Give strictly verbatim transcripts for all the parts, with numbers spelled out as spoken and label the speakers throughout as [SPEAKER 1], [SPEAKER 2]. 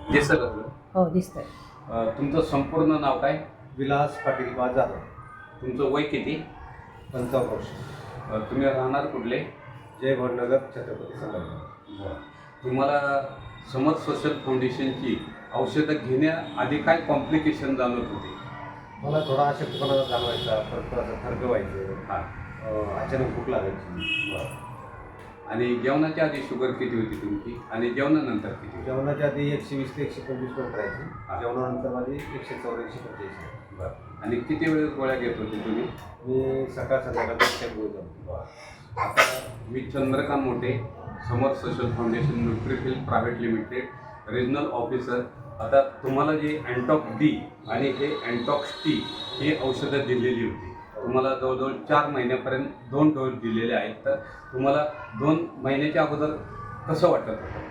[SPEAKER 1] दिसत असलं.
[SPEAKER 2] हो दिसतंय.
[SPEAKER 1] अ, तुमचं संपूर्ण नाव काय?
[SPEAKER 3] विलास पाटील बाजार,
[SPEAKER 1] तुमचं वय किती?
[SPEAKER 3] पंचावन्न वर्ष,
[SPEAKER 1] अ, तुम्ही राहणार कुठले?
[SPEAKER 3] जय भटनगर, छत्रपती संभाजी.
[SPEAKER 1] तुम्हाला समर सोशल फाउंडेशनची औषधं घेण्याआधी काय कॉम्प्लिकेशन जाणवत होते?
[SPEAKER 3] मला थोडा अशक्तपणा जाणवायचा, परत असं थरकं व्हायचं,
[SPEAKER 1] हां.
[SPEAKER 3] अं, अचानक भूक लागायची.
[SPEAKER 1] आणि जेवणाच्या आधी शुगर किती होती तुमची आणि जेवणानंतर किती होती?
[SPEAKER 3] जेवणाच्या आधी एकशे वीस ते एकशे पंचवीस पर्यंत
[SPEAKER 1] हा.
[SPEAKER 3] राहायची. जेवणानंतर माझी एकशे चौदा एकशे पंच्याऐंशी.
[SPEAKER 1] बरं. आणि किती वेळेस गोळ्या घेत होते तुम्ही?
[SPEAKER 3] मी सकाळ संध्याकाळ टाईम बोलतो.
[SPEAKER 1] आता मी Chandrakant Mothe, Samar social foundation Nutrifil private limited regional officer. आता तुम्हाला जे अँटॉक डी आणि हे अँटॉक्स टी ही औषधं दिलेली होती. तुम्हाला जवळजवळ चार महिन्यापर्यंत दोन डोस दिलेले आहेत. तर तुम्हाला दोन महिन्याच्या अगोदर कसं वाटत होतं?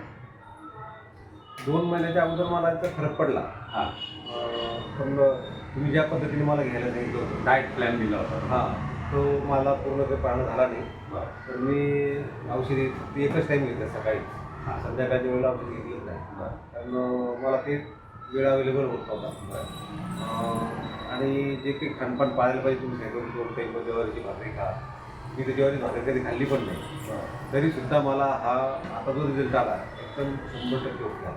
[SPEAKER 3] दोन महिन्याच्या अगोदर मला इथं फरक पडला.
[SPEAKER 1] हां.
[SPEAKER 3] अं, पण तुम्ही ज्या पद्धतीने मला घ्यायला सांगितलं होतं,
[SPEAKER 1] डाएट प्लॅन दिला होता.
[SPEAKER 3] हां, तो मला पूर्ण काही पाळणं झाला नाही. तर मी औषधी ती एकच टाईम घेतलं, सकाळी.
[SPEAKER 1] हां.
[SPEAKER 3] संध्याकाळच्या वेळेला औषध घेतलं नाही,
[SPEAKER 1] बरं.
[SPEAKER 3] कारण मला ते वेळ अवेलेबल होत नव्हता. अं, आणि जे काही खानपान पाळायला पाहिजे तुम्ही सांगितलं, दोन टाईम ज्वारीची भाकरी खा. मी तर ज्वारी भाकरी कधी खाल्ली पण नाही. तरीसुद्धा मला हा आता जो रिझल्ट आला एकदम शंभर टक्के होता.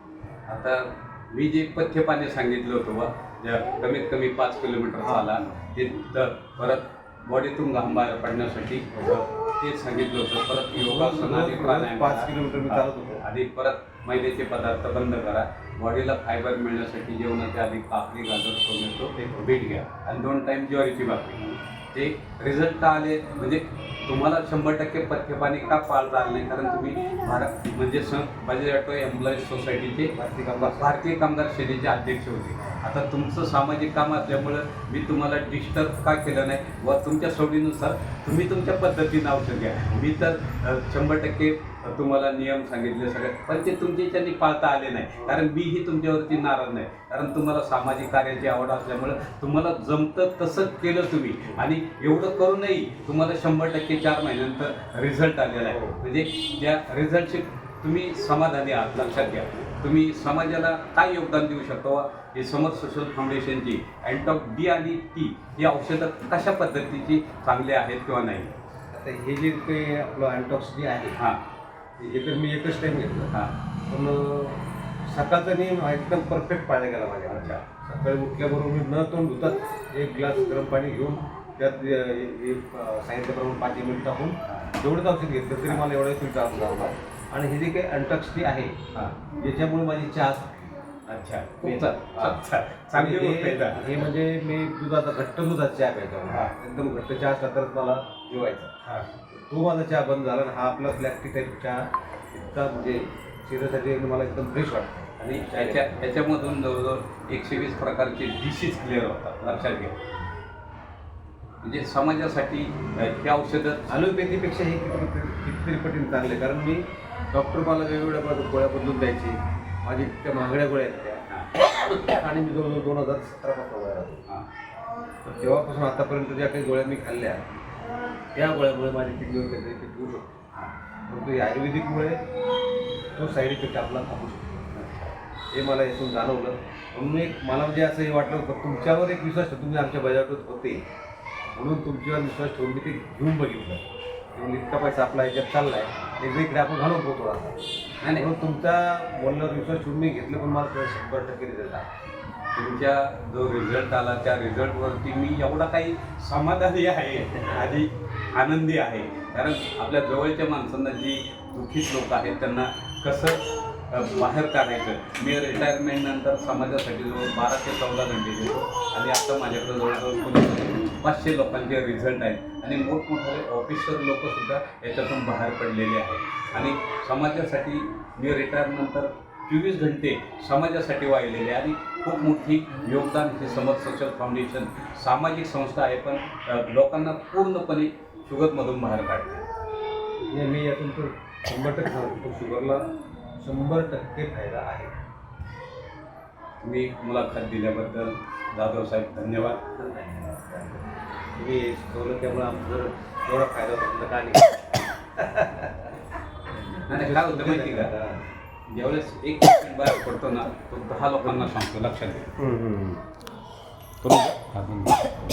[SPEAKER 1] आता मी जे पथ्यपाने सांगितलं होतं बा, ज्या कमीत कमी पाच किलोमीटर चाला, ते तर परत बॉडीतून घाम बाहेर पडण्यासाठी तेच सांगितलं होतं. परत योगासन आणि प्राणायाम
[SPEAKER 3] पाच किलोमीटर मी चालत होतो.
[SPEAKER 1] आधी परत मैद्याचे पदार्थ बंद करा. बॉडीला फायबर मिळण्यासाठी जेवणाच्या आधी काकडी, गाजर, टोमॅटो, बीट घ्या आणि दोन टाईम ज्वारीची भाकरी. ते रिझल्ट का आले म्हणजे तुम्हाला शंभर टक्के पथ्यपाणी का पाळता आलं नाही? कारण तुम्ही भारत म्हणजे स बजाज ऑटो एम्प्लॉईज सोसायटीचे
[SPEAKER 3] भारतीय कामगार
[SPEAKER 1] भारतीय कामगार सेनेचे अध्यक्ष होते. आता तुमचं सामाजिक काम असल्यामुळं मी तुम्हाला डिस्टर्ब का केलं नाही व तुमच्या सवडीनुसार तुम्ही तुमच्या पद्धतीनं औषध घ्या. मी तर अ, शंभर टक्के तुम्हाला नियम सांगितले सगळे, पण ते तुमच्या याच्यानी पाळता आले नाही. कारण मीही तुमच्यावरती नाराज नाही, कारण तुम्हाला सामाजिक कार्याची आवड असल्यामुळं तुम्हाला जमतं तसं केलं तुम्ही. आणि एवढं करूनही तुम्हाला शंभर टक्के चार महिन्यानंतर रिझल्ट आलेला आहे. म्हणजे त्या रिझल्टचे तुम्ही समाधानी आहात. लक्षात घ्या, तुम्ही समाजाला काय योगदान देऊ शकतो? हे समर सोशल फाउंडेशनची अँटॉक डी आणि टी ही औषधं कशा पद्धतीची चांगली आहेत किंवा नाही?
[SPEAKER 3] आता हे जे काही आपलं अँटॉक्स जे आहे,
[SPEAKER 1] हां
[SPEAKER 3] हे तर मी एकच टाईम घेतलं.
[SPEAKER 1] हां
[SPEAKER 3] पण सकाळचा नियम हा एकदम परफेक्ट पाळला गेला माझ्या.
[SPEAKER 1] अच्छा.
[SPEAKER 3] सकाळी उठल्याबरोबर मी न तोंड धुतात एक ग्लास गरम पाणी घेऊन त्यात अ, हे, अ, सांगितल्याप्रमाणे पाच मिनिट टाकून जेवढंच औषध घेतलं तरी मला एवढं फिल्टर औषध आवडणार. आणि हे जे काही अँटॉक्स टी आहे,
[SPEAKER 1] हां.
[SPEAKER 3] याच्यामुळे माझी चहा
[SPEAKER 1] अच्छा, खूप
[SPEAKER 3] बेतात.
[SPEAKER 1] अच्छा, चांगली
[SPEAKER 3] आणि
[SPEAKER 1] गोष्ट आहे
[SPEAKER 3] हे
[SPEAKER 1] का?
[SPEAKER 3] हे म्हणजे मी दुधाचा घट्ट दुधाचा चहा प्यायचा.
[SPEAKER 1] हा.
[SPEAKER 3] एकदम घट्ट चहा असला तरच मला जेवायचा.
[SPEAKER 1] हां.
[SPEAKER 3] तो माझा चहा बंद झाला आणि हा आपला ब्लॅक टी टाईप चहा इतका म्हणजे शरीरासाठी मला एकदम फ्रेश वाटतं.
[SPEAKER 1] आणि याच्या याच्यामधून जवळजवळ एकशे वीस प्रकारचे डिशीज क्लिअर होतात. लक्षात घ्या, म्हणजे समाजासाठी अ, हे औषधं
[SPEAKER 3] ॲलोपॅथीपेक्षा हे किती कितीतरी पटीने चांगले, कारण मी डॉक्टर मला वेगवेगळ्या बद- गोळ्या बदलून द्यायची. माझी त्या महागड्या गोळ्या आहेत त्या, आणि मी जवळजवळ दोन हजार सतरापासून गोळ्या राहतो.
[SPEAKER 1] हां.
[SPEAKER 3] तर तेव्हापासून आतापर्यंत ज्या काही गोळ्या मी खाल्ल्या, त्या गोळ्यामुळे माझी किडनीवर त्याचा इफेक्ट होऊ शकतो. परंतु या आयुर्वेदिकमुळे तो साईड इफेक्ट आपला थांबू शकतो. हे मला यातून जाणवलं. म्हणून एक मला म्हणजे असं हे वाटलं होतं, तुमच्यावर एक विश्वास ठेवून तुम्ही आमच्या बजावत होते म्हणून तुमच्यावर विश्वास ठेवून मी ते घेऊन बघितलं. म्हणून इतका पैसा आपला याच्यात चालला आहे, एकदा इकडे आपण घालून पोहोचतो थोडासा.
[SPEAKER 1] नाही
[SPEAKER 3] म्हणून तुमच्या बोलण्यावर विश्वास ठेवून मी घेतलं, पण मला शंभर टक्के रिझल्ट आला.
[SPEAKER 1] तुमच्या जो रिझल्ट आला त्या रिझल्टवरती मी एवढा काही समाधानी आहे आणि आनंदी आहे. कारण आपल्या जवळच्या माणसांना जी दुःखीत लोक आहेत त्यांना कसं अ, बाहेर काढायचं. मी रिटायरमेंट नंतर समाजासाठी जवळ बारा ते चौदा घंटे देतो आणि आता माझ्याकडे जवळजवळ कोणी पाचशे लोकांचे रिझल्ट आहेत आणि मोठमोठे ऑफिसर लोकसुद्धा याच्यातून बाहेर पडलेले आहेत. आणि समाजासाठी मी रिटायरनंतर चोवीस घंटे समाजासाठी वाहिलेले आणि खूप मोठी योगदान हे समर सोशल फाउंडेशन सामाजिक संस्था आहे, पण अ, लोकांना पूर्णपणे शुगरमधून बाहेर काढते.
[SPEAKER 3] हे मी यातून तर शंभर टक्के सांगतो, शुगरला शंभर टक्के फायदा आहे.
[SPEAKER 1] तुम्ही मुलाखत दिल्याबद्दल जाधव साहेब धन्यवाद.
[SPEAKER 3] तुम्ही शिकवलं त्यामुळे आमचं जर एवढा फायदा होता का नाही?
[SPEAKER 1] नाही काय होतं माहिती का, ज्यावेळेस एक पेशंट बाहेर पडतो ना तो दहा लोकांना सांगतो लक्षात घ्या.
[SPEAKER 3] हम्म, हम्म. करू का?
[SPEAKER 1] अजून